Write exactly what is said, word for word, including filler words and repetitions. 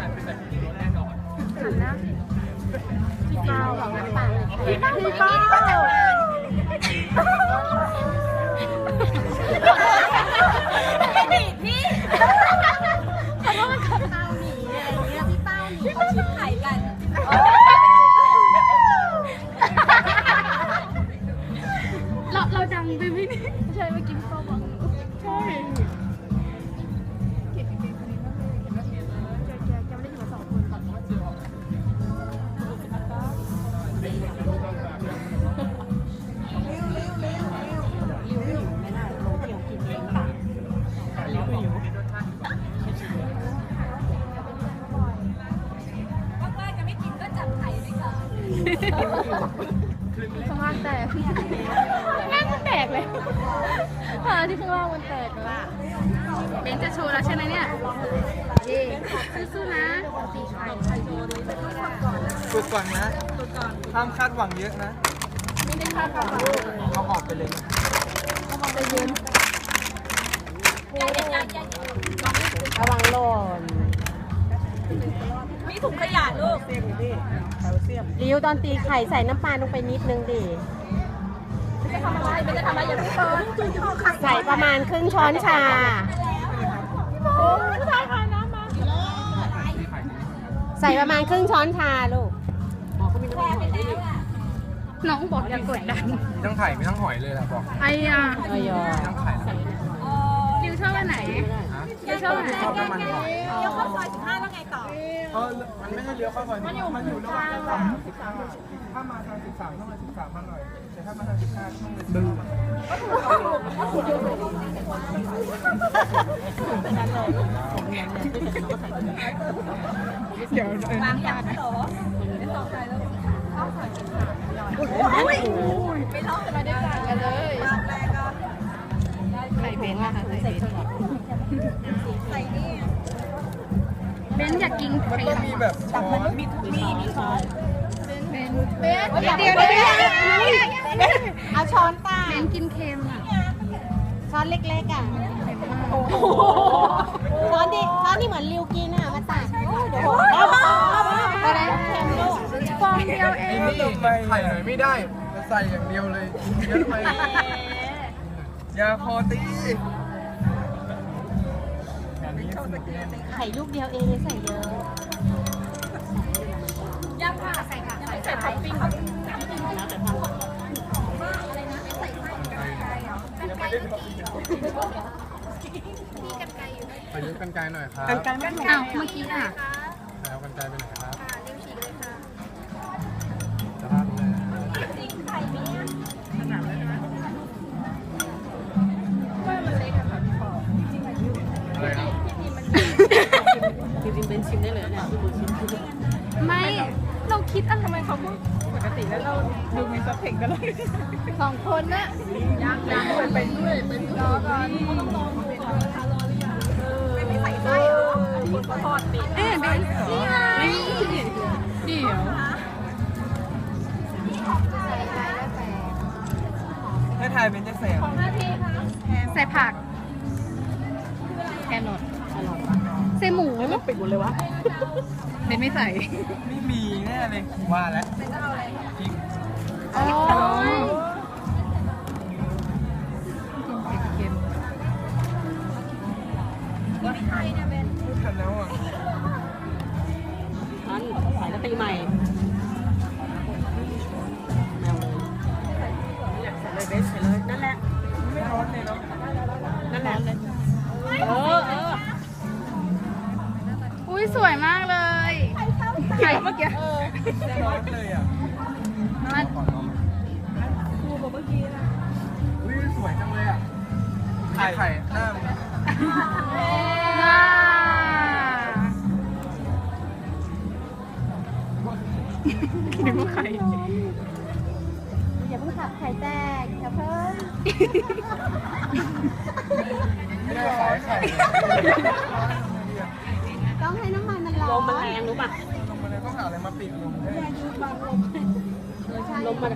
หันหน้าพี่เป้าของน้ำตาลพี่เป้าพี่เป้าไม่ดีพี่ขอโทษค่ะเป้าหนีอะไรเงี้ยพี่เป้าหนีเขาชิมไข่กันเราเราดังไปไหมนี่ใช่เมื่อกี้พี่เป้าบอกใช่ข้างล่างแตกข้างล่างมันแตกเลยอ่าที่ข้างล่างมันแตกละเบนจะโชว์แล้วใช่ไหมเนี่ยเย่สู้ๆนะฝึกก่อนนะห้ามคาดหวังเยอะนะไม่ได้คาดหวังเอาออกไปเลยเอาออกไปเย็นระวังหล่นมีถุงขยะลูกริ้วตอนตีไข่ใส่น้ำปลาลงไปนิดนึงดิไม่ทำอะไรไม่ได้ทำอะไรอย่างนี้ใส่ประมาณครึ่งช้อนชาใส่ประมาณครึ่งช้อนชาลูกน้องบอกอย่ากดดันมีทั้งไข่มีทั้งหอยเลยล่ะบอกไอ้ยาไอ้ยามีทั้งไข่ริ้วชอบอันไหนริ้วชอบอันไหนชอบน้ำมันหอยเลี้ยวเข้าซอยสิบห้าแล้วไงต่อเออมันไม่ใช่เลี้ยวเข้าซอยมันอยู่มันอยู่ระหว่างสิบสามสิบสามถ้ามาทางสิบสามต้องมาสิบสามมาหน่อยแต่ถ้ามาทางสิบห้าต้องเลยบึ้งเดี๋ยวบางอย่างโตไม่ต่อใจแล้วเข้าซอยสิบสามโอ้โหไม่ร้องจะมาได้กันเลยใส่เบนค่ะใส่เบนใส่นี่เบนอยากกินมันต้องมีแบบช้อนมีมีมีช้อนเบนเบนเดี๋ยวเดี๋ยวเอาช้อนป่ะเบนกินเค็มอ่ะช้อนเล็กๆอ่ะช้อนดิช้อนนี่เหมือนริวกินอ่ะมาตักเดี๋ยวอะไรเค็มลูกฟองเดียวเองไข่หน่อยไม่ได้ใส่อย่างเดียวเลยเยอะไปยาพอตีไข่ลูกเดียวเองใส่เยอะย่างค่ะใส่ค่ะใส่ท็อปปิ้งไปยืมกันไกลหน่อยครับกันไกลอ้าวเมื่อกี้อ่ะแล้วกันไกลไปไหนครับนิ้วฉีกเลยค่ะจะพลาดเลยจริงไข่เนี้ยขนาดเลยนะว่ามันเล็กอะค่ะพี่ปออะไรครับจริงๆเป็นชิมได้เลยเนี่ยไม่เราคิดอะไรทำไมเขาพูดปกติแล้วเราดูมีสเปคกันเลยสองคนน่ะยากยากเป็นไปด้วยเป็นรอก่อนต้องลองดูก่อนนะคะรอหรือยังไม่ไม่ใส่ไส้เหรอคนทอดปิดเอ๊ะเบนนี่ไงเดี๋ยวให้ทายเป็นจะแสบใส่ผักแครอทใส่หมูไม่ปิดหมดเลยวะเบนไม่ใส่ไม่มีแน่เลยว่าแล้วพริกโอ้ยเค็มๆไม่ใช่นะเบนไม่ทันแล้วอ่ะอันใส่แล้วตีใหม่แมวเลยใส่เลยเบนใส่เลยนั่นแหละไม่ร้อนเลยเนาะนั่นแหละเลยเออเอออุ้ยสวยมากเลยไข่เมื่อกี้ไม่ร้อนเลยอ่ะมันครูบอกเมื่อกี้นะอุ้ยสวยจังเลยอ่ะไข่ไข่หน้าว้าคิดว่าไข่อย่าเพิ่งขับไข่แตกอย่าเพิ่งไม่ได้ขายไข่ต้องให้น้ำมันมันร้อนลมมันแรงรู้ป่ะลมมันแรงต้องหาอะไรมาปิดลมให้ลมมัน